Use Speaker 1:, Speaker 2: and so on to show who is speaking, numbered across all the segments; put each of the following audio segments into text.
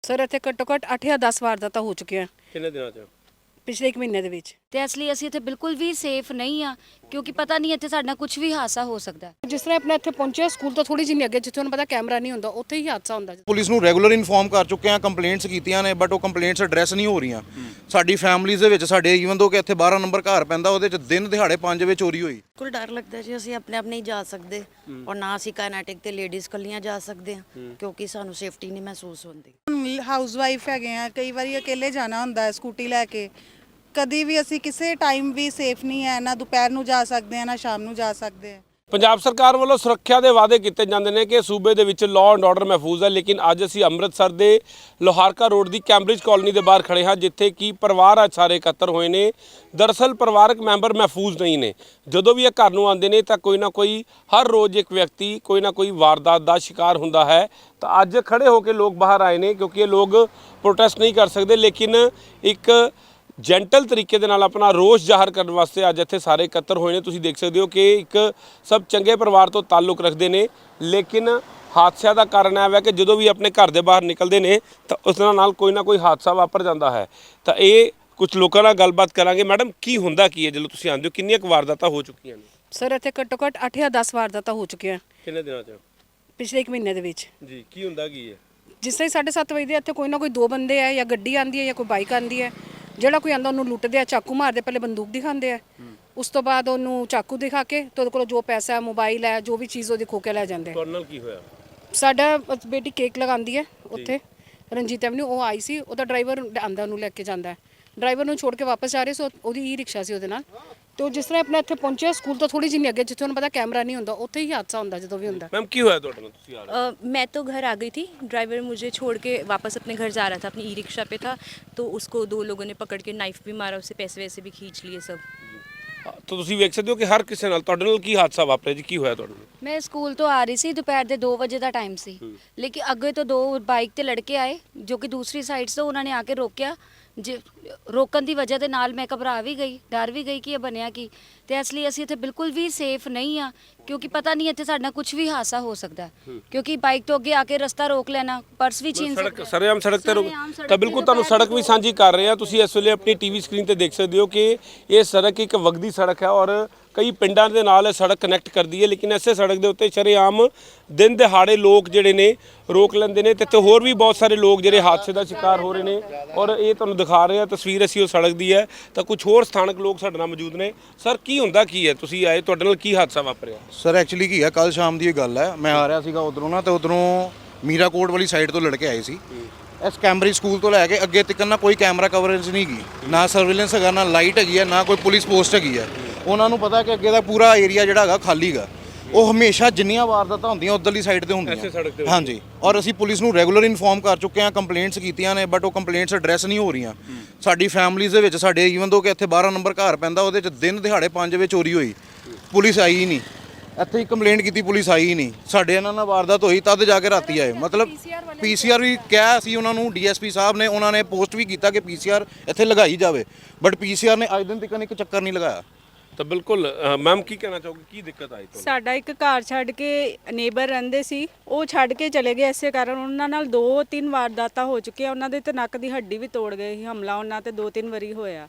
Speaker 1: Sir ਇੱਥੇ ਘੱਟੋ ਘੱਟ 8 ਜਾਂ 10 ਵਾਰਦਾਤਾਂ ਹੋ ਚੁੱਕੀਆਂ
Speaker 2: ਕਿੰਨੇ ਦਿਨਾਂ ਚ?
Speaker 1: ਪਿਛਲੇ 1 ਮਹੀਨੇ ਦੇ ਵਿੱਚ।
Speaker 3: ਤੇ ਇਸ ਲਈ ਅਸੀਂ ਇੱਥੇ ਬਿਲਕੁਲ ਵੀ ਸੇਫ ਨਹੀਂ ਆ ਕਿਉਂਕਿ ਪਤਾ ਨਹੀਂ ਇੱਥੇ ਸਾਡਾ ਕੁਝ ਵੀ ਹਾਦਸਾ ਹੋ ਸਕਦਾ ਹੈ।
Speaker 1: ਜਿਸ ਤਰ੍ਹਾਂ ਆਪਣਾ ਇੱਥੇ ਪਹੁੰਚਿਆ ਸਕੂਲ ਤੋਂ ਥੋੜੀ ਜਿਹੀ ਅੱਗੇ ਜਿੱਥੇ ਉਹਨੂੰ ਪਤਾ ਕੈਮਰਾ ਨਹੀਂ ਹੁੰਦਾ ਉੱਥੇ ਹੀ ਹਾਦਸਾ ਹੁੰਦਾ।
Speaker 4: ਪੁਲਿਸ ਨੂੰ ਰੈਗੂਲਰ ਇਨਫੋਰਮ ਕਰ ਚੁੱਕੇ ਆ, ਕੰਪਲੇਂਟਸ ਕੀਤੀਆਂ ਨੇ, ਬਟ ਉਹ ਕੰਪਲੇਂਟਸ ਐਡਰੈਸ ਨਹੀਂ ਹੋ ਰਹੀਆਂ। ਸਾਡੀ ਫੈਮਿਲੀਜ਼ ਦੇ ਵਿੱਚ ਸਾਡੇ ਈਵਨ ਦੋ ਕਿ ਇੱਥੇ 12 ਨੰਬਰ ਘਰ ਪੈਂਦਾ, ਉਹਦੇ ਚ ਦਿਨ ਦਿਹਾੜੇ 5 ਵਜੇ ਚੋਰੀ ਹੋਈ।
Speaker 5: ਬਿਲਕੁਲ ਡਰ ਲੱਗਦਾ ਜੀ, ਅਸੀਂ ਆਪਣੇ ਆਪ ਨਹੀਂ ਜਾ ਸਕਦੇ ਔਰ ਨਾ ਅਸੀਂ ਕਾਇਨੈਟਿਕ ਤੇ ਲੇਡੀਜ਼ ਕੱਲੀਆਂ ਜਾ ਸਕਦੇ ਹਾਂ ਕਿਉਂਕਿ ਸਾਨੂੰ ਸੇਫਟੀ ਨਹੀਂ ਮਹਿਸੂਸ ਹੁੰਦੀ।
Speaker 6: ਹਾਊਸ ਵਾਈਫ ਹੈਗੇ ਆ, ਕਈ ਵਾਰੀ ਅਕੇਲੇ ਜਾਣਾ ਹੁੰਦਾ ਹੈ ਸਕੂਟੀ ਲੈ ਕੇ। ਕਦੀ ਵੀ ਅਸੀਂ ਕਿਸੇ ਟਾਈਮ ਵੀ ਸੇਫ ਨਹੀਂ ਹੈ, ਨਾ ਦੁਪਹਿਰ ਨੂੰ ਜਾ ਸਕਦੇ ਆ ਨਾ ਸ਼ਾਮ ਨੂੰ ਜਾ ਸਕਦੇ ਆ।
Speaker 2: ਪੰਜਾਬ ਸਰਕਾਰ ਵੱਲੋਂ ਸੁਰੱਖਿਆ ਦੇ ਵਾਅਦੇ ਕੀਤੇ ਜਾਂਦੇ ਨੇ ਕਿ ਸੂਬੇ ਦੇ ਵਿੱਚ ਲਾਅ ਐਂਡ ਆਰਡਰ ਮਹਿਫੂਜ਼ ਹੈ, ਲੇਕਿਨ ਅੱਜ ਅਸੀਂ ਅੰਮ੍ਰਿਤਸਰ ਦੇ ਲੋਹਾਰਕਾ ਰੋਡ ਦੀ ਕੈਂਬਰਿਜ ਕਾਲੋਨੀ ਦੇ ਬਾਹਰ ਖੜੇ ਹਾਂ, ਜਿੱਥੇ ਕਿ ਪਰਿਵਾਰ ਅੱਜ ਸਾਰੇ ਇਕੱਤਰ ਹੋਏ ਨੇ। ਦਰਅਸਲ ਪਰਿਵਾਰਕ ਮੈਂਬਰ ਮਹਿਫੂਜ਼ ਨਹੀਂ ਨੇ। ਜਦੋਂ ਵੀ ਇਹ ਘਰ ਨੂੰ ਆਉਂਦੇ ਨੇ ਤਾਂ ਕੋਈ ਨਾ ਕੋਈ ਹਰ ਰੋਜ਼ ਇੱਕ ਵਿਅਕਤੀ ਕੋਈ ਨਾ ਕੋਈ ਵਾਰਦਾਤ ਦਾ ਸ਼ਿਕਾਰ ਹੁੰਦਾ ਹੈ। ਤਾਂ ਅੱਜ ਖੜੇ ਹੋ ਕੇ ਲੋਕ ਬਾਹਰ ਆਏ ਨੇ ਕਿਉਂਕਿ ਇਹ ਲੋਕ ਪ੍ਰੋਟੈਸਟ ਨਹੀਂ ਕਰ ਸਕਦੇ, ਲੇਕਿਨ ਇੱਕ ਜੈਂਟਲ ਤਰੀਕੇ ਦੇ ਨਾਲ ਆਪਣਾ ਰੋਸ ਜ਼ਾਹਰ ਕਰਨ ਵਾਸਤੇ ਅੱਜ ਇੱਥੇ ਸਾਰੇ ਇਕੱਤਰ ਹੋਏ ਨੇ। ਤੁਸੀਂ ਦੇਖ ਸਕਦੇ ਹੋ ਕਿ ਇੱਕ ਸਭ ਚੰਗੇ ਪਰਿਵਾਰ ਤੋਂ ਤਾਲੁਕ ਰੱਖਦੇ ਨੇ, ਲੇਕਿਨ ਹਾਦਸਿਆਂ ਦਾ ਕਾਰਨ ਇਹ ਹੈ ਕਿ ਜਦੋਂ ਵੀ ਆਪਣੇ ਘਰ ਦੇ ਬਾਹਰ ਨਿਕਲਦੇ ਨੇ ਤਾਂ ਉਸ ਨਾਲ ਕੋਈ ਨਾ ਕੋਈ ਹਾਦਸਾ ਵਾਪਰ ਜਾਂਦਾ ਹੈ। ਤਾਂ ਇਹ ਕੁਝ ਲੋਕਾਂ ਨਾਲ ਗੱਲਬਾਤ ਕਰਾਂਗੇ। ਮੈਡਮ, ਕੀ ਹੁੰਦਾ ਕੀ ਹੈ ਜਦੋਂ ਤੁਸੀਂ ਆਉਂਦੇ ਹੋ? ਕਿੰਨੀਆਂ ਕੁ ਵਾਰਦਾਤਾਂ ਹੋ ਚੁੱਕੀਆਂ ਨੇ?
Speaker 1: ਸਰ ਇੱਥੇ ਘੱਟੋ ਘੱਟ 8 ਜਾਂ 10 ਵਾਰਦਾਤਾਂ ਹੋ ਚੁੱਕੀਆਂ
Speaker 2: ਕਿੰਨੇ ਦਿਨਾਂ ਚ?
Speaker 1: ਪਿਛਲੇ 1 ਮਹੀਨੇ ਦੇ ਵਿੱਚ
Speaker 2: ਜੀ, ਕੀ ਹੁੰਦਾ ਕੀ ਹੈ?
Speaker 1: ਜਿਸ ਤਰ੍ਹਾਂ 7:30 ਵਜੇ ਦੇ ਇੱਥੇ ਕੋਈ ਨਾ ਕੋਈ 2 ਬੰਦੇ ਆ, ਜਾਂ ਗੱਡੀ ਆਂਦੀ ਹੈ ਜਾਂ ਕੋਈ ਬਾਈਕ ਆਂਦੀ ਹੈ। ਜਿਹੜਾ ਕੋਈ ਆਂਦਾ ਉਹਨੂੰ ਲੁੱਟਦੇ ਆ, ਚਾਕੂ ਮਾਰਦੇ, ਪਹਿਲੇ ਬੰਦੂਕ ਦਿਖਾਉਂਦੇ ਆ, ਉਸ ਤੋਂ ਬਾਅਦ ਉਹਨੂੰ ਚਾਕੂ ਦਿਖਾ ਕੇ ਤੇ ਉਹਦੇ ਕੋਲ ਜੋ ਪੈਸਾ ਹੈ, ਮੋਬਾਈਲ ਹੈ, ਜੋ ਵੀ ਚੀਜ਼ ਉਹਦੀ ਖੋ ਕੇ ਲੈ ਜਾਂਦੇ।
Speaker 2: ਤੁਹਾਡੇ ਨਾਲ ਕੀ ਹੋਇਆ?
Speaker 1: ਸਾਡਾ ਬੇਟੀ ਕੇਕ ਲਗਾਉਂਦੀ ਹੈ ਉੱਥੇ ਰਣਜੀਤ ਐਵਨਿਊ, ਉਹ ਆਈ ਸੀ, ਉਹਦਾ ਡਰਾਈਵਰ ਆਂਦਾ ਉਹਨੂੰ ਲੈ ਕੇ ਜਾਂਦਾ। ਡਰਾਈਵਰ ਨੂੰ ਛੋੜ ਕੇ ਵਾਪਸ ਆ ਰਹੇ ਸੋ ਉਹਦੀ ਈ ਰਿਕਸ਼ਾ ਸੀ ਉਹਦੇ ਨਾਲ। ਤੇ ਉਹ ਜਿਸ ਤਰ੍ਹਾਂ ਆਪਣਾ ਇੱਥੇ ਪਹੁੰਚਿਆ ਸਕੂਲ ਤੋਂ ਥੋੜੀ ਜਿਹੀ ਅੱਗੇ ਜਿੱਥੇ ਉਹਨੂੰ ਪਤਾ ਕੈਮਰਾ ਨਹੀਂ ਹੁੰਦਾ ਉੱਥੇ ਹੀ ਹਾਦਸਾ ਹੁੰਦਾ ਜਦੋਂ ਵੀ ਹੁੰਦਾ।
Speaker 2: ਮੈਮ, ਕੀ ਹੋਇਆ ਤੁਹਾਡੇ ਨਾਲ? ਤੁਸੀਂ ਆ ਰਹੇ?
Speaker 7: मैं तो घर आ गई थी, ड्राइवर मुझे छोड़ के वापस अपने घर जा रहा था, अपनी ई रिक्शा पे था, तो उसको 2 लोगों ने पकड़ के नाइफ भी मारा, उससे पैसे वैसे भी खींच लिए सब।
Speaker 2: ਤਾਂ ਤੁਸੀਂ ਵੇਖ ਸਕਦੇ ਹੋ ਕਿ ਹਰ ਕਿਸੇ ਨਾਲ ਤੁਹਾਡੇ ਨਾਲ ਕੀ ਹਾਦਸਾ ਵਾਪਰਿਆ ਜੀ? ਕੀ ਹੋਇਆ ਤੁਹਾਡੇ ਨਾਲ?
Speaker 3: ਮੈਂ ਸਕੂਲ ਤੋਂ ਆ ਰਹੀ ਸੀ, ਦੁਪਹਿਰ ਦੇ 2 ਵਜੇ ਦਾ ਟਾਈਮ ਸੀ, ਲੇਕਿਨ ਅੱਗੇ ਤੋਂ 2 ਬਾਈਕ ਤੇ ਲੜਕੇ ਆਏ ਜੋ ਕਿ ਦੂਸਰੀ ਸਾਈਡ ਤੋਂ ਉਹਨਾਂ ਨੇ ਆ ਕੇ ਰੋਕਿਆ। ਜੇ ਰੋਕਣ ਦੀ ਵਜ੍ਹਾ ਦੇ ਨਾਲ ਮੈਂ ਘਬਰਾ ਵੀ ਗਈ, ਡਰ ਵੀ ਗਈ ਕਿ ਇਹ ਬਣਿਆ ਕੀ। ਤੇ ਇਸ ਲਈ ਅਸੀਂ ਇੱਥੇ ਬਿਲਕੁਲ ਵੀ ਸੇਫ ਨਹੀਂ ਆ ਕਿਉਂਕਿ ਪਤਾ ਨਹੀਂ ਇੱਥੇ ਸਾਡਾ ਕੁਝ ਵੀ ਹਾਦਸਾ ਹੋ ਸਕਦਾ ਹੈ। ਕਿਉਂਕਿ ਬਾਈਕ ਤੋਂ ਅੱਗੇ ਆ ਕੇ ਰਸਤਾ ਰੋਕ ਲੈਣਾ, ਪਰਸ ਵੀ ਛੀਨ
Speaker 2: ਸੜਕ ਸਰੇਆਮ ਸੜਕ ਤੇ ਤਾਂ ਬਿਲਕੁਲ ਤੁਹਾਨੂੰ ਸੜਕ ਵੀ ਸਾਂਝੀ ਕਰ ਰਹੇ ਆ। ਤੁਸੀਂ ਇਸ ਵੇਲੇ ਆਪਣੀ ਟੀਵੀ ਸਕਰੀਨ ਤੇ ਦੇਖ ਸਕਦੇ ਹੋ ਕਿ ਇਹ ਸੜਕ ਇੱਕ ਵਗਦੀ ਸੜਕ ਹੈ ਔਰ ਕਈ ਪਿੰਡਾਂ ਦੇ ਨਾਲ ਇਹ ਸੜਕ ਕਨੈਕਟ ਕਰਦੀ ਹੈ, ਲੇਕਿਨ ਇਸੇ ਸੜਕ ਦੇ ਉੱਤੇ ਸ਼ਰੇਆਮ ਦਿਨ ਦਿਹਾੜੇ ਲੋਕ ਜਿਹੜੇ ਨੇ ਰੋਕ ਲੈਂਦੇ ਨੇ ਤੇ ਇੱਥੇ ਹੋਰ ਵੀ ਬਹੁਤ ਸਾਰੇ ਲੋਕ ਜਿਹੜੇ ਹਾਦਸੇ ਦਾ ਸ਼ਿਕਾਰ ਹੋ ਰਹੇ ਨੇ। ਔਰ ਇਹ ਤੁਹਾਨੂੰ ਦਿਖਾ ਰਹੇ ਆ ਤਸਵੀਰ ਅਸੀਂ ਉਹ ਸੜਕ ਦੀ ਹੈ। ਤਾਂ ਕੁਝ ਹੋਰ ਸਥਾਨਕ ਲੋਕ ਸਾਡੇ ਨਾਲ ਮੌਜੂਦ ਨੇ। ਸਰ, ਕੀ ਹੁੰਦਾ ਕੀ ਹੈ? ਤੁਸੀਂ ਆਏ, ਤੁਹਾਡੇ ਨਾਲ ਕੀ ਹਾਦਸਾ ਵਾਪਰਿਆ?
Speaker 4: ਸਰ ਐਕਚੁਅਲੀ ਕੀ ਹੈ, ਕੱਲ ਸ਼ਾਮ ਦੀ ਇਹ ਗੱਲ ਹੈ, ਮੈਂ ਆ ਰਿਹਾ ਸੀਗਾ ਉਧਰੋਂ ਨਾ, ਤੇ ਉਧਰੋਂ ਮੀਰਾਕੋਟ ਵਾਲੀ ਸਾਈਡ ਤੋਂ ਲੜਕੇ ਆਏ ਸੀ। ਇਸ ਕੈਂਬਰਿਜ ਸਕੂਲ ਤੋਂ ਲੈ ਕੇ ਅੱਗੇ ਤੱਕ ਨਾ ਕੋਈ ਕੈਮਰਾ ਕਵਰੇਜ ਨਹੀਂ ਗਈ, ਨਾ ਸਰਵੇਲੈਂਸ ਹੈਗਾ, ਨਾ ਲਾਈਟ ਹੈਗੀ ਹੈ, ਨਾ ਕੋਈ ਪੁਲਿਸ ਪੋਸਟ ਹੈਗੀ ਹੈ। ਉਹਨਾਂ ਨੂੰ ਪਤਾ ਕਿ ਅੱਗੇ ਦਾ ਪੂਰਾ ਏਰੀਆ ਜਿਹੜਾ ਹੈਗਾ ਖਾਲੀ ਗਾ। ਉਹ ਹਮੇਸ਼ਾ ਜਿੰਨੀਆਂ ਵਾਰਦਾਤਾਂ ਹੁੰਦੀਆਂ ਉਧਰਲੀ ਸਾਈਡ ਤੇ ਹੁੰਦੀਆਂ। ਹਾਂਜੀ, ਔਰ ਅਸੀਂ ਪੁਲਿਸ ਨੂੰ ਰੈਗੂਲਰ ਇਨਫੋਰਮ ਕਰ ਚੁੱਕੇ ਆ, ਕੰਪਲੇਂਟਸ ਕੀਤੀਆਂ ਨੇ, ਬਟ ਉਹ ਕੰਪਲੇਂਟਸ ਐਡਰੈਸ ਨਹੀਂ ਹੋ ਰਹੀਆਂ। ਸਾਡੀ ਫੈਮਿਲੀਜ਼ ਦੇ ਵਿੱਚ ਸਾਡੇ ਈਵਨ ਦੋ ਕਿ ਇੱਥੇ 12 ਨੰਬਰ ਘਰ ਪੈਂਦਾ, ਉਹਦੇ ਚ ਦਿਨ ਦਿਹਾੜੇ 5 ਵਜੇ ਚੋਰੀ ਹੋਈ, ਪੁਲਿਸ ਆਈ ਹੀ ਨਹੀਂ। ਇੱਥੇ ਹੀ ਕੰਪਲੇਂਟ ਕੀਤੀ, ਪੁਲਿਸ ਆਈ ਹੀ ਨਹੀਂ। ਸਾਡੇ ਇਹਨਾਂ ਨਾਲ ਵਾਰਦਾਤ ਹੋਈ ਤਦ ਜਾ ਕੇ ਰਾਤੀ ਆਏ। ਮਤਲਬ ਪੀਸੀਆਰ ਵੀ ਕਿਹਾ ਸੀ ਉਹਨਾਂ ਨੂੰ, ਡੀਐਸਪੀ ਸਾਹਿਬ ਨੇ, ਉਹਨਾਂ ਨੇ ਪੋਸਟ ਵੀ ਕੀਤਾ ਕਿ ਪੀਸੀਆਰ ਇੱਥੇ ਲਗਾਈ ਜਾਵੇ, ਬਟ ਪੀਸੀਆਰ ਨੇ ਅੱਜ ਦਿਨ ਤੱਕ ਇੱਕ ਚੱਕਰ ਨਹੀਂ ਲਗਾਇਆ।
Speaker 2: ਤਾਂ ਬਿਲਕੁਲ ਮੈਮ, ਕੀ ਕਹਿਣਾ ਚਾਹੋਗੇ? ਕੀ ਦਿੱਕਤ ਆਈ ਤੁਹਾਨੂੰ?
Speaker 8: ਸਾਡਾ ਇੱਕ ਘਰ ਛੱਡ ਕੇ ਨੇਬਰ ਰਹਿੰਦੇ ਸੀ, ਉਹ ਛੱਡ ਕੇ ਚਲੇ ਗਏ। ਇਸੇ ਕਾਰਨ ਉਹਨਾਂ ਨਾਲ 2-3 ਵਾਰਦਾਤਾਂ ਹੋ ਚੁੱਕੀਆਂ। ਉਹਨਾਂ ਦੇ ਤੇ ਨੱਕ ਦੀ ਹੱਡੀ ਵੀ ਤੋੜ ਗਏ ਸੀ। ਹਮਲਾ ਉਹਨਾਂ ਤੇ 2-3 ਵਾਰੀ ਹੋਇਆ।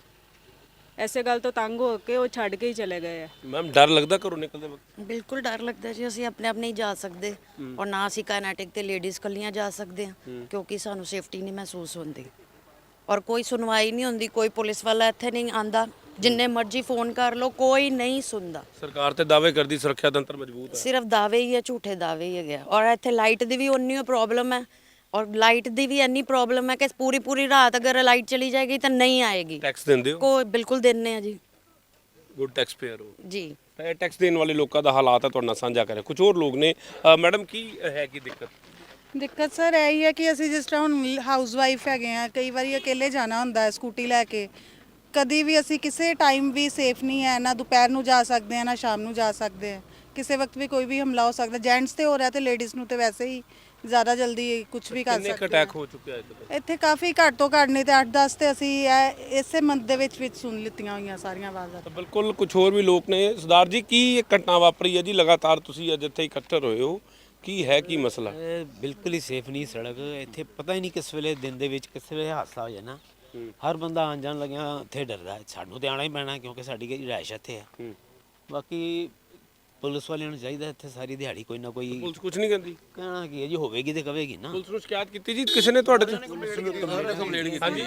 Speaker 8: ਐਸੇ ਗੱਲ ਤੋਂ ਤੰਗ ਹੋ ਕੇ ਉਹ ਛੱਡ ਕੇ ਹੀ ਚਲੇ ਗਏ ਆ।
Speaker 2: ਮੈਮ, ਡਰ ਲੱਗਦਾ ਘਰੋਂ ਨਿਕਲਦੇ ਵਕਤ?
Speaker 5: ਬਿਲਕੁਲ ਡਰ ਲੱਗਦਾ ਜੀ, ਅਸੀਂ ਆਪਣੇ ਆਪ ਨਹੀਂ ਜਾ ਸਕਦੇ ਔਰ ਨਾ ਅਸੀਂ ਕਾਇਨੈਟਿਕ ਤੇ ਲੇਡੀਜ਼ ਕੱਲੀਆਂ ਜਾ ਸਕਦੇ ਹਾਂ ਕਿਉਂਕਿ ਸਾਨੂੰ ਸੇਫਟੀ ਨਹੀਂ ਮਹਿਸੂਸ ਹੁੰਦੀ ਔਰ ਕੋਈ ਸੁਣਵਾਈ ਨਹੀਂ ਹੁੰਦੀ। ਕੋਈ ਪੁਲਿਸ ਵਾਲਾ ਇੱਥੇ ਨਹੀਂ ਆਂਦਾ, ਜਿੰਨੇ ਮਰਜ਼ੀ ਫੋਨ ਕਰ ਲਓ ਕੋਈ ਨਹੀਂ ਸੁਣਦਾ।
Speaker 2: ਸਰਕਾਰ ਤੇ ਦਾਅਵੇ ਕਰਦੀ ਸੁਰੱਖਿਆ ਤੰਤਰ ਮਜ਼ਬੂਤ ਹੈ,
Speaker 5: ਸਿਰਫ ਦਾਅਵੇ ਹੀ ਹੈ, ਝੂਠੇ ਦਾਅਵੇ ਹੀ ਹੈਗੇ। ਔਰ ਇੱਥੇ ਲਾਈਟ ਦੀ ਵੀ ਉਨੀ ਹੀ ਪ੍ਰੋਬਲਮ ਹੈ ਔਰ ਲਾਈਟ ਦੀ ਵੀ ਇੰਨੀ ਪ੍ਰੋਬਲਮ ਹੈ ਕਿ ਪੂਰੀ ਰਾਤ ਅਗਰ ਲਾਈਟ ਚਲੀ ਜਾਏਗੀ ਤਾਂ ਨਹੀਂ ਆਏਗੀ।
Speaker 2: ਟੈਕਸ ਦਿੰਦੇ ਹੋ?
Speaker 5: ਕੋਈ ਬਿਲਕੁਲ ਦਿੰਨੇ ਆ ਜੀ।
Speaker 2: ਗੁੱਡ ਟੈਕਸ ਪੇਅਰ ਹੋ
Speaker 5: ਜੀ।
Speaker 2: ਤਾਂ ਇਹ ਟੈਕਸ ਦੇਣ ਵਾਲੇ ਲੋਕਾਂ ਦਾ ਹਾਲਾਤ ਹੈ ਤੁਹਾਡੇ ਨਾਲ ਸਾਂਝਾ ਕਰਿਆ। ਕੁਝ ਹੋਰ ਲੋਕ ਨੇ। ਮੈਡਮ, ਕੀ ਹੈ ਕੀ ਦਿੱਕਤ?
Speaker 6: ਦਿੱਕਤ ਸਰ ਇਹ ਹੀ ਹੈ ਕਿ ਅਸੀਂ ਜਿਸ ਤਰ੍ਹਾਂ ਹੁਣ ਹਾਊਸ ਵਾਈਫ ਹੈਗੇ ਆ, ਕਈ ਵਾਰੀ ਅਕੇਲੇ ਜਾਣਾ ਹੁੰਦਾ ਹੈ ਸਕੂਟੀ ਲੈ ਕੇ। ਕਦੀ ਵੀ ਅਸੀਂ ਕਿਸੇ ਟਾਈਮ ਵੀ ਸੇਫ ਨਹੀਂ ਹੈ, ਨਾ ਦੁਪਹਿਰ ਨੂੰ ਜਾ ਸਕਦੇ ਆ ਨਾ ਸ਼ਾਮ ਨੂੰ ਜਾ ਸਕਦੇ ਆ। ਕਿਸੇ ਵਕਤ ਵੀ ਕੋਈ ਵੀ ਹਮਲਾ ਹੋ ਸਕਦਾ। ਜੈਂਟਸ ਤੇ ਹੋ ਰਿਹਾ ਤੇ ਲੇਡੀਜ਼ ਨੂੰ ਤੇ ਵੈਸੇ ਹੀ ਜ਼ਿਆਦਾ ਜਲਦੀ ਕੁਝ ਵੀ ਕਰ ਸਕਦੇ।
Speaker 2: ਕਿੰਨੇ ਅਟੈਕ ਹੋ ਚੁੱਕਿਆ
Speaker 6: ਇੱਥੇ ਕਾਫੀ ਘੱਟ ਤੋਂ ਘੱਟ ਨਹੀਂ ਤੇ 8-10 ਤੇ ਅਸੀਂ ਇਸੇ ਮੰਥ ਦੇ ਵਿੱਚ ਸੁਣ ਲਿੱਤੀਆਂ ਹੋਈਆਂ ਸਾਰੀਆਂ ਵਾਰਦਾਤਾਂ।
Speaker 2: ਤਾਂ ਬਿਲਕੁਲ ਕੁਝ ਹੋਰ ਵੀ ਲੋਕ ਨੇ। ਸਰਦਾਰ ਜੀ, ਕੀ ਇਹ ਘਟਨਾ ਵਾਪਰੀ ਹੈ ਜੀ? ਲਗਾਤਾਰ ਤੁਸੀਂ ਅੱਜ ਇੱਥੇ ਇਕੱਠੇ ਹੋਏ ਹੋ, ਕੀ ਹੈ ਕੀ ਮਸਲਾ?
Speaker 9: ਇਹ ਬਿਲਕੁਲ ਹੀ ਸੇਫ ਨਹੀਂ ਸੜਕ ਇੱਥੇ, ਪਤਾ ਹੀ ਨਹੀਂ ਕਿਸ ਵੇਲੇ ਦਿਨ ਦੇ ਵਿੱਚ ਕਿਸ ਵੇਲੇ ਹਾਦਸਾ ਹੋ ਜਾਣਾ। ਹਰ ਬੰਦਾ ਆਉਣ ਜਾਣ ਲੱਗਿਆ ਇੱਥੇ ਡਰਦਾ ਹੈ। ਸਾਨੂੰ ਤੇ ਆਉਣਾ ਹੀ ਪੈਣਾ ਕਿਉਂਕਿ ਸਾਡੀ ਰਿਹਾਇਸ਼ ਇੱਥੇ ਹੈ। ਬਾਕੀ ਪੁਲਿਸ ਵਾਲਿਆਂ ਨੂੰ ਚਾਹੀਦਾ ਇੱਥੇ ਸਾਰੀ ਦਿਹਾੜੀ ਕੋਈ ਨਾ ਕੋਈ
Speaker 2: ਪੁਲਿਸ ਕੁਝ ਨਹੀਂ ਕਹਿੰਦੀ?
Speaker 9: ਕਹਿਣਾ ਕੀ ਹੈ ਜੀ, ਹੋਵੇਗੀ ਤੇ ਕਵੇਗੀ ਨਾ।
Speaker 2: ਪੁਲਿਸ ਨੂੰ ਸ਼ਿਕਾਇਤ ਕੀਤੀ ਜੀ ਕਿਸੇ ਨੇ ਤੁਹਾਡੇ ਤੋਂ? ਕੰਪਲੇਂਟ ਕੀਤੀ ਹਾਂਜੀ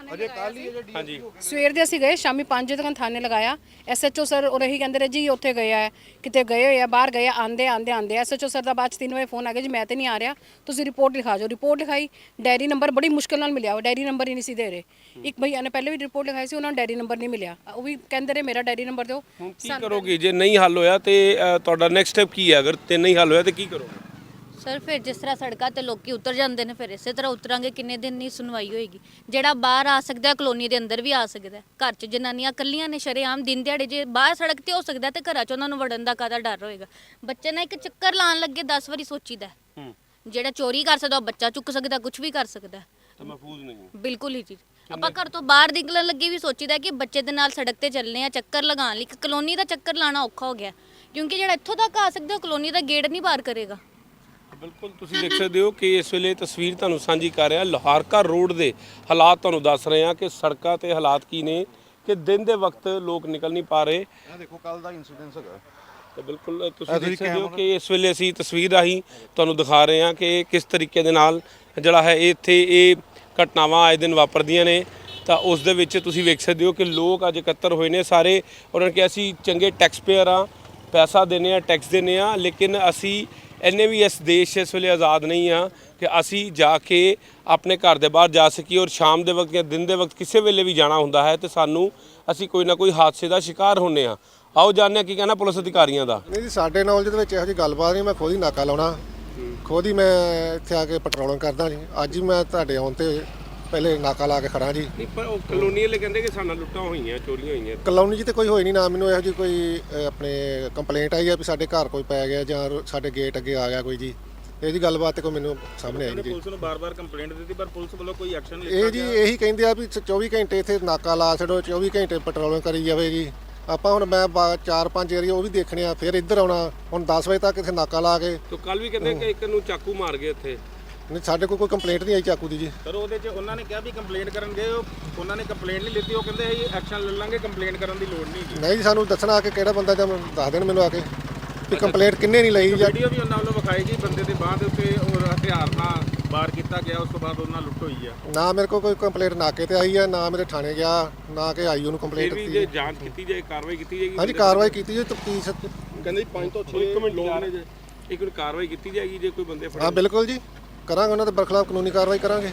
Speaker 2: ਹਾਂਜੀ।
Speaker 1: ਸਵੇਰ ਦੇ ਅਸੀਂ ਗਏ, ਸ਼ਾਮੀ 5 ਵਜੇ ਤੱਕ ਥਾਣੇ ਲਗਾਇਆ। ਐਸਐਚਓ ਸਰ ਉਹ ਰਹੀ ਕਹਿੰਦੇ ਰਹੇ ਜੀ ਉੱਥੇ ਗਏ ਆ, ਕਿਤੇ ਗਏ ਹੋਏ ਆ, ਬਾਹਰ ਗਏ ਆ, ਆਂਦੇ ਐਸਐਚਓ ਸਰ ਦਾ ਬਾਅਦ 'ਚ 3 ਵਜੇ ਫੋਨ ਆ ਗਿਆ ਜੀ ਮੈਂ ਤੇ ਨਹੀਂ ਆ ਰਿਹਾ, ਤੁਸੀਂ ਰਿਪੋਰਟ ਲਿਖਾ ਜਾਓ। ਰਿਪੋਰਟ ਲਿਖਾਈ, ਡਾਇਰੀ ਨੰਬਰ ਬੜੀ ਮੁਸ਼ਕਿਲ ਨਾਲ ਮਿਲਿਆ, ਉਹ ਡਾਇਰੀ ਨੰਬਰ ਹੀ ਨਹੀਂ ਸੀ ਦੇ ਰਹੇ। ਇੱਕ ਭਈਆ ਨੇ ਪਹਿਲੇ ਵੀ ਰਿਪੋਰਟ ਲਿਖਾਈ ਸੀ, ਉਹਨਾਂ ਨੂੰ ਡਾਇਰੀ ਨੰਬਰ ਨਹੀਂ ਮਿਲਿਆ, ਉਹ ਵੀ ਕਹਿੰਦੇ ਰਹੇ ਮੇਰਾ ਡਾਇਰੀ ਨੰਬਰ ਦਿਓ।
Speaker 2: ਹੁਣ ਕੀ ਕਰੋਗੇ ਜੇ ਨਹੀਂ ਹੱਲ ਹੋਇਆ ਤੇ ਤੁਹਾਡਾ ਨੈਕਸਟ ਸਟੈਪ ਕੀ ਹੈ? ਅਗਰ ਤੇ ਨਹੀਂ ਹੱਲ ਹੋਇਆ ਤੇ ਕੀ ਕਰੋਗੇ?
Speaker 3: ਸਰ ਫਿਰ ਜਿਸ ਤਰ੍ਹਾਂ ਸੜਕਾਂ ਤੇ ਲੋਕੀ ਉਤਰ ਜਾਂਦੇ ਨੇ, ਫਿਰ ਇਸੇ ਤਰ੍ਹਾਂ ਉਤਰਾਂਗੇ। ਕਿੰਨੇ ਦਿਨ ਨਹੀਂ ਸੁਣਵਾਈ ਹੋਏਗੀ? ਜਿਹੜਾ ਬਾਹਰ ਆ ਸਕਦਾ ਕਲੋਨੀ ਦੇ ਅੰਦਰ ਵੀ ਆ ਸਕਦਾ। ਘਰ 'ਚ ਜਨਾਨੀਆਂ ਇਕੱਲੀਆਂ ਨੇ ਸ਼ਰੇਆਮ ਦਿਨ ਦਿਹਾੜੇ, ਜੇ ਬਾਹਰ ਸੜਕ ਤੇ ਹੋ ਸਕਦਾ ਤੇ ਘਰਾਂ 'ਚ ਉਹਨਾਂ ਨੂੰ ਵੜਨ ਦਾ ਕਾਹਦਾ ਡਰ ਹੋਏਗਾ? ਬੱਚੇ ਨਾਲ ਇੱਕ ਚੱਕਰ ਲਾਉਣ ਲੱਗੇ 10 ਵਾਰੀ ਸੋਚੀਦਾ। ਜਿਹੜਾ ਚੋਰੀ ਕਰ ਸਕਦਾ ਉਹ ਬੱਚਾ ਚੁੱਕ ਸਕਦਾ, ਕੁਝ ਵੀ ਕਰ ਸਕਦਾ।
Speaker 2: ਤਾਂ ਮਹਿਫੂਜ਼ ਨਹੀਂ
Speaker 3: ਬਿਲਕੁਲ ਹੀ ਜੀ। ਆਪਾਂ ਘਰ ਤੋਂ ਬਾਹਰ ਨਿਕਲਣ ਲੱਗੇ ਵੀ ਸੋਚੀਦਾ ਕਿ ਬੱਚੇ ਦੇ ਨਾਲ ਸੜਕ ਤੇ ਚੱਲਨੇ ਆ ਚੱਕਰ ਲਗਾਉਣ ਲਈ। ਇੱਕ ਕਲੋਨੀ ਦਾ ਚੱਕਰ ਲਾਣਾ ਔਖਾ ਹੋ ਗਿਆ ਕਿਉਂਕਿ ਜਿਹੜਾ ਇੱਥੋਂ ਤੱਕ ਆ ਸਕਦਾ ਉਹ ਕਲੋਨੀ ਦਾ ਗੇਟ ਨਹੀਂ ਪਾਰ ਕਰੇਗਾ।
Speaker 2: ਬਿਲਕੁਲ ਤੁਸੀਂ ਦੇਖ ਸਕਦੇ ਹੋ ਕਿ ਇਸ ਵੇਲੇ ਤਸਵੀਰ ਤੁਹਾਨੂੰ ਸਾਂਝੀ ਕਰ ਰਿਹਾ ਲੋਹਾਰਕਾ ਰੋਡ ਦੇ ਹਾਲਾਤ ਤੁਹਾਨੂੰ ਦੱਸ ਰਹੇ ਹਾਂ ਕਿ ਸੜਕਾਂ ਤੇ ਹਾਲਾਤ ਕੀ ਨੇ ਕਿ ਦਿਨ ਦੇ ਵਕਤ ਲੋਕ ਨਿਕਲ ਨਹੀਂ ਪਾ ਰਹੇ।
Speaker 4: ਇਹ ਦੇਖੋ ਕੱਲ ਦਾ ਇਨਸੀਡੈਂਸ ਹੈਗਾ।
Speaker 2: ਤੇ ਬਿਲਕੁਲ ਤੁਸੀਂ ਦੇਖ ਸਕਦੇ ਹੋ ਕਿ ਇਸ ਵੇਲੇ ਅਸੀਂ ਤਸਵੀਰ ਰਾਹੀਂ ਤੁਹਾਨੂੰ ਦਿਖਾ ਰਹੇ ਹਾਂ ਕਿ ਕਿਸ ਤਰੀਕੇ ਦੇ ਨਾਲ ਜਿਹੜਾ ਹੈ ਇੱਥੇ ਇਹ ਘਟਨਾਵਾਂ ਆਏ ਦਿਨ ਵਾਪਰਦੀਆਂ ਨੇ। ਤਾਂ ਉਸ ਦੇ ਵਿੱਚ ਤੁਸੀਂ ਵੇਖ ਸਕਦੇ ਹੋ ਕਿ ਲੋਕ ਅੱਜ ਇਕੱਤਰ ਹੋਏ ਨੇ ਸਾਰੇ। ਉਹਨਾਂ ਨੇ ਕਿਹਾ ਅਸੀਂ ਚੰਗੇ ਟੈਕਸ ਪੇਅਰ ਆ, ਪੈਸਾ ਦਿੰਦੇ ਆ, ਟੈਕਸ ਦਿੰਦੇ ਆ, ਲੇਕਿਨ ਅਸੀਂ ਇੰਨੇ ਵੀ ਇਸ ਦੇਸ਼ ਇਸ ਵੇਲੇ ਆਜ਼ਾਦ ਨਹੀਂ ਆ ਕਿ ਅਸੀਂ ਜਾ ਕੇ ਆਪਣੇ ਘਰ ਦੇ ਬਾਹਰ ਜਾ ਸਕੀਏ। ਔਰ ਸ਼ਾਮ ਦੇ ਵਕਤ ਜਾਂ ਦਿਨ ਦੇ ਵਕਤ ਕਿਸੇ ਵੇਲੇ ਵੀ ਜਾਣਾ ਹੁੰਦਾ ਹੈ ਤੇ ਸਾਨੂੰ ਅਸੀਂ ਕੋਈ ਨਾ ਕੋਈ ਹਾਦਸੇ ਦਾ ਸ਼ਿਕਾਰ ਹੁੰਨੇ ਆ। ਆਓ ਜਾਣਦੇ ਹਾਂ ਕੀ ਕਹਿਣਾ ਪੁਲਿਸ ਅਧਿਕਾਰੀਆਂ ਦਾ।
Speaker 10: ਨਹੀਂ ਜੀ, ਸਾਡੇ ਨੌਲੇਜ ਦੇ ਵਿੱਚ ਇਹੋ ਜਿਹੀ ਗੱਲਬਾਤ ਨਹੀਂ। ਮੈਂ ਖੁਦ ਹੀ ਨਾਕਾ ਲਾਉਣਾ, ਖੁਦ ਹੀ ਮੈਂ ਇੱਥੇ ਆ ਕੇ ਪੈਟਰੋਲਿੰਗ ਕਰਦਾ ਜੀ। ਅੱਜ ਹੀ ਮੈਂ ਤੁਹਾਡੇ ਆਉਣ ਤੇ ਪਹਿਲੇ ਨਾਕਾ ਲਾ ਕੇ ਖੜਾ ਜੀ।
Speaker 2: ਨਹੀਂ ਪਰ ਉਹ ਕਲੋਨੀ ਵਾਲੇ ਕਹਿੰਦੇ ਕਿ ਸਾਡਾ ਲੁੱਟਾਂ ਹੋਈਆਂ, ਚੋਰੀਆਂ ਹੋਈਆਂ।
Speaker 10: ਕਲੋਨੀ 'ਚ ਤੇ ਕੋਈ ਹੋਈ ਨਹੀਂ ਨਾ, ਮੈਨੂੰ ਇਹੋ ਜਿਹੀ ਕੋਈ ਆਪਣੇ ਕੰਪਲੇਂਟ ਆਈ ਆ ਵੀ ਸਾਡੇ ਘਰ ਕੋਈ ਪੈ ਗਿਆ ਜਾਂ ਸਾਡੇ ਗੇਟ ਅੱਗੇ ਆ ਗਿਆ ਕੋਈ ਜੀ। ਇਹਦੀ ਗੱਲਬਾਤ ਤੇ ਕੋਈ ਮੈਨੂੰ ਸਾਹਮਣੇ ਆਈ ਨਹੀਂ ਜੀ।
Speaker 11: ਪੁਲਿਸ ਨੂੰ ਬਾਰ-ਬਾਰ ਕੰਪਲੇਂਟ ਦਿੱਤੀ ਪਰ ਪੁਲਿਸ ਵੱਲੋਂ ਕੋਈ ਐਕਸ਼ਨ ਨਹੀਂ
Speaker 10: ਇਹ ਜੀ ਇਹੀ ਕਹਿੰਦੇ ਆ ਵੀ 24 ਘੰਟੇ ਇੱਥੇ ਨਾਕਾ ਲਾ ਛੱਡੋ, 24 ਘੰਟੇ ਪੈਟਰੋਲਿੰਗ ਕਰੀ ਜਾਵੇ ਜੀ। ਆਪਾਂ ਹੁਣ ਮੈਂ 4-5 ਏਰੀਆ ਉਹ ਵੀ ਦੇਖਣੇ ਆ, ਫਿਰ ਇੱਧਰ ਆਉਣਾ। ਹੁਣ 10 ਵਜੇ ਤੱਕ ਇੱਥੇ ਨਾਕਾ ਲਾ ਕੇ
Speaker 2: ਤਾਂ ਕੱਲ ਵੀ ਕਹਿੰਦੇ ਕਿ ਇੱਕ ਨੂੰ ਚਾਕੂ ਮਾਰ ਗਏ ਇੱਥੇ।
Speaker 10: ਨਹੀਂ, ਸਾਡੇ ਕੋਲ ਕੋਈ ਕੰਪਲੇਂਟ ਨਹੀਂ ਆਈ ਚਾਕੂ ਦੀ ਜੀ।
Speaker 11: ਸਰ ਉਹਦੇ 'ਚ ਉਹਨਾਂ ਨੇ ਕਿਹਾ ਵੀ ਕੰਪਲੇਂਟ ਕਰਨ ਗਏ, ਉਹਨਾਂ ਨੇ ਕੰਪਲੇਂਟ ਨਹੀਂ ਲਿੱਤੀ। ਉਹ ਕਹਿੰਦੇ ਇਹ ਐਕਸ਼ਨ ਲੈ ਲਾਂਗੇ, ਕੰਪਲੇਂਟ ਕਰਨ ਦੀ ਲੋੜ ਨਹੀਂ ਜੀ।
Speaker 10: ਨਹੀਂ ਜੀ, ਸਾਨੂੰ ਦੱਸਣਾ ਆ ਕੇ ਕਿਹੜਾ ਬੰਦਾ ਜਾਂ ਦੱਸ ਦੇਣ ਮੈਨੂੰ ਆ ਕੇ ਵੀ ਕੰਪਲੇਂਟ ਕਿੰਨੇ ਨਹੀਂ ਲਈ ਜਾਂ
Speaker 11: ਵੀਡੀਓ ਵੀ ਉਹਨਾਂ ਵੱਲੋਂ ਵਿਖਾਈ ਗਈ, ਬੰਦੇ ਦੇ ਬਾਹ ਦੇ ਉੱਤੇ ਉਹ ਹਥਿਆਰ ਨਾਲ ਵਾਰ ਕੀਤਾ ਗਿਆ। ਉਸ ਤੋਂ ਬਾਅਦ ਉਹਨਾਂ ਲੁੱਟ ਹੋਈ ਆ।
Speaker 10: ਨਾ ਮੇਰੇ ਕੋਲ ਕੋਈ ਕੰਪਲੇਂਟ ਨਾਕੇ ਤੇ ਆਈ ਹੈ, ਨਾ ਮੇਰੇ ਥਾਣੇ ਗਿਆ, ਨਾ ਕਿ ਆਈ ਉਹਨੂੰ ਕੰਪਲੇਂਟ
Speaker 2: ਫਿਰ ਵੀ
Speaker 10: ਦਿੱਤੀ
Speaker 2: ਜੇ
Speaker 10: ਹੈ।
Speaker 2: ਜਾਂਚ ਕੀਤੀ ਜਾਏ, ਕਾਰਵਾਈ ਕੀਤੀ ਜਾਏਗੀ।
Speaker 10: ਹਾਂਜੀ, ਕਾਰਵਾਈ ਕੀਤੀ ਜੀ। ਤਫਤੀਸ਼
Speaker 11: ਕਹਿੰਦੇ 5 ਤੋਂ 6
Speaker 2: ਇੱਕ ਮਿੰਟ
Speaker 11: ਲੋਕ ਨੇ ਜੇ
Speaker 2: ਇੱਕ ਮਿੰਟ ਕਾਰਵਾਈ ਕੀਤੀ ਜਾਏਗੀ ਜੇ ਕੋਈ ਬੰਦੇ
Speaker 10: ਹਾਂ
Speaker 2: ਫੜੇ
Speaker 10: ਬਿਲਕੁਲ ਜੀ ਕਰਾਂਗੇ, ਉਹਨਾਂ ਦੇ ਬਰਖਲਾਫ ਕਾਨੂੰਨੀ ਕਾਰਵਾਈ ਕਰਾਂਗੇ।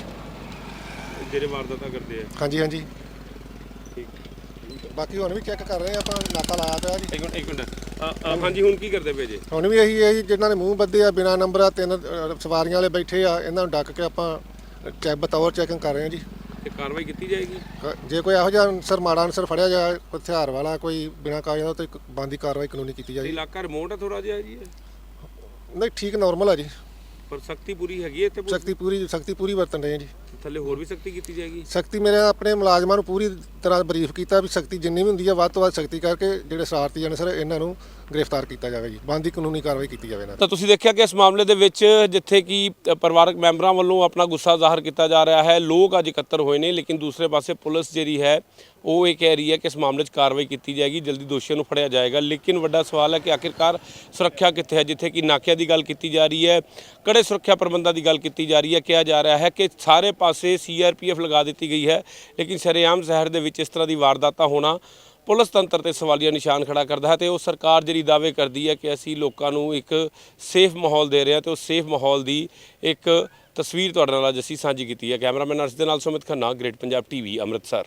Speaker 2: ਜਿਹੜੇ ਵਾਰਦਾਤਾਂ ਕਰਦੇ ਆ।
Speaker 10: ਹਾਂਜੀ ਹਾਂਜੀ,
Speaker 2: ਠੀਕ।
Speaker 10: ਬਾਕੀ ਹੁਣ ਵੀ ਚੈੱਕ ਕਰ ਰਹੇ ਆ ਆਪਾਂ, ਨਾਕਾ ਲਾਇਆ ਪਿਆ ਜੀ।
Speaker 2: ਇੱਕ ਮਿੰਟ ਹਾਂਜੀ ਹੁਣ ਕੀ ਕਰਦੇ ਪਏ ਜੇ?
Speaker 10: ਹੁਣ ਵੀ ਇਹੀ ਹੈ ਜੀ, ਜਿਨ੍ਹਾਂ ਨੇ ਮੂੰਹ ਬੱਧੇ ਆ, ਬਿਨਾਂ ਨੰਬਰ ਆ, 3 ਸਵਾਰੀਆਂ ਵਾਲੇ ਬੈਠੇ ਆ, ਇਹਨਾਂ ਨੂੰ ਡੱਕ ਕੇ ਆਪਾਂ ਬਤੌਰ ਚੈਕਿੰਗ ਕਰ ਰਹੇ ਹਾਂ ਜੀ।
Speaker 2: ਤੇ ਕਾਰਵਾਈ ਕੀਤੀ ਜਾਏਗੀ।
Speaker 10: ਜੇ ਕੋਈ ਇਹੋ ਜਿਹਾ ਅਨਸਰ ਮਾੜਾ ਅਨਸਰ ਫੜਿਆ ਜਾਏ, ਕੋਈ ਹਥਿਆਰ ਵਾਲਾ, ਕੋਈ ਬਿਨਾਂ ਕਾਗਜ਼ਾਂ ਦਾ, ਤਾਂ ਬਣਦੀ ਕਾਰਵਾਈ ਕਾਨੂੰਨੀ ਕੀਤੀ ਜਾਏਗੀ।
Speaker 2: ਇਲਾਕਾ ਰਿਮੋਟ ਹੈ ਥੋੜਾ ਜਿਹਾ ਜੀ
Speaker 10: ਨਹੀਂ ਠੀਕ ਨਾਰਮਲ ਆ ਜੀ,
Speaker 2: ਪਰ ਸਖਤੀ ਪੂਰੀ ਹੈਗੀ ਹੈ ਇੱਥੇ।
Speaker 10: ਸਖਤੀ ਪੂਰੀ ਵਰਤਣ ਰਹੇ ਜੀ।
Speaker 2: ਥੱਲੇ ਹੋਰ ਵੀ ਸਖਤੀ ਕੀਤੀ ਜਾਏਗੀ।
Speaker 10: ਸਖਤੀ ਮੇਰੇ ਆਪਣੇ ਮੁਲਾਜ਼ਮਾਂ ਨੂੰ ਪੂਰੀ ਤਰ੍ਹਾਂ ਬਰੀਫ ਕੀਤਾ ਵੀ ਸਖਤੀ ਜਿੰਨੀ ਵੀ ਹੁੰਦੀ ਹੈ ਵੱਧ ਤੋਂ ਵੱਧ ਸਖਤੀ ਕਰਕੇ ਜਿਹੜੇ ਸ਼ਰਾਰਤੀ ਅਨਸਰ ਇਹਨਾਂ ਨੂੰ ਗ੍ਰਿਫਤਾਰ ਕੀਤਾ ਜਾਵੇ ਜੀ, ਬਣਦੀ ਕਾਨੂੰਨੀ ਕਾਰਵਾਈ ਕੀਤੀ ਜਾਵੇ ਇਹਨਾਂ 'ਤੇ।
Speaker 2: ਤਾਂ ਤੁਸੀਂ ਦੇਖਿਆ ਕਿ ਇਸ ਮਾਮਲੇ ਦੇ ਵਿੱਚ ਜਿੱਥੇ ਕਿ ਪਰਿਵਾਰਕ ਮੈਂਬਰਾਂ ਵੱਲੋਂ ਆਪਣਾ ਗੁੱਸਾ ਜ਼ਾਹਰ ਕੀਤਾ ਜਾ ਰਿਹਾ ਹੈ, ਲੋਕ ਅੱਜ ਇਕੱਤਰ ਹੋਏ ਨੇ, ਲੇਕਿਨ ਦੂਸਰੇ ਪਾਸੇ ਪੁਲਿਸ ਜਿਹੜੀ ਹੈ ਉਹ ਇਹ ਕਹਿ ਰਹੀ ਹੈ ਕਿ ਇਸ ਮਾਮਲੇ 'ਚ ਕਾਰਵਾਈ ਕੀਤੀ ਜਾਏਗੀ, ਜਲਦੀ ਦੋਸ਼ੀਆਂ ਨੂੰ ਫੜਿਆ ਜਾਏਗਾ। ਲੇਕਿਨ ਵੱਡਾ ਸਵਾਲ ਹੈ ਕਿ ਆਖਿਰਕਾਰ ਸੁਰੱਖਿਆ ਕਿੱਥੇ ਹੈ? ਜਿੱਥੇ ਕਿ ਨਾਕਿਆਂ ਦੀ ਗੱਲ ਕੀਤੀ ਜਾ ਰਹੀ ਹੈ, ਕੜੇ ਸੁਰੱਖਿਆ ਪ੍ਰਬੰਧਾਂ ਦੀ ਗੱਲ ਕੀਤੀ ਜਾ ਰਹੀ ਹੈ, ਕਿਹਾ ਜਾ ਰਿਹਾ ਹੈ ਕਿ ਸਾਰੇ ਪਾਸੇ CRPF ਲਗਾ ਦਿੱਤੀ ਗਈ ਹੈ, ਲੇਕਿਨ ਸ਼ਰੇਆਮ ਸ਼ਹਿਰ ਦੇ ਵਿੱਚ ਇਸ ਤਰ੍ਹਾਂ ਦੀ ਵਾਰਦਾਤਾਂ ਹੋਣਾ ਪੁਲਿਸ ਤੰਤਰ ਤੇ ਸਵਾਲੀਆ ਨਿਸ਼ਾਨ ਖੜਾ ਕਰਦਾ ਹੈ। ਤੇ ਉਹ ਸਰਕਾਰ ਜਿਹੜੀ ਦਾਅਵੇ ਕਰਦੀ ਹੈ ਕਿ ਅਸੀਂ ਲੋਕਾਂ ਨੂੰ ਇੱਕ ਸੇਫ ਮਾਹੌਲ ਦੇ ਰਹੇ ਹਾਂ, ਤੇ ਉਹ ਸੇਫ ਮਾਹੌਲ ਦੀ ਇੱਕ ਤਸਵੀਰ ਤੁਹਾਡੇ ਨਾਲ ਅੱਜ ਅਸੀਂ ਸਾਂਝੀ ਕੀਤੀ ਹੈ। ਕੈਮਰਾਮੈਨ ਅਰਸ਼ ਦੇ ਨਾਲ ਸੁਮਿਤ ਖੰਨਾ, ਗ੍ਰੇਟ ਪੰਜਾਬ TV, ਅੰਮ੍ਰਿਤਸਰ।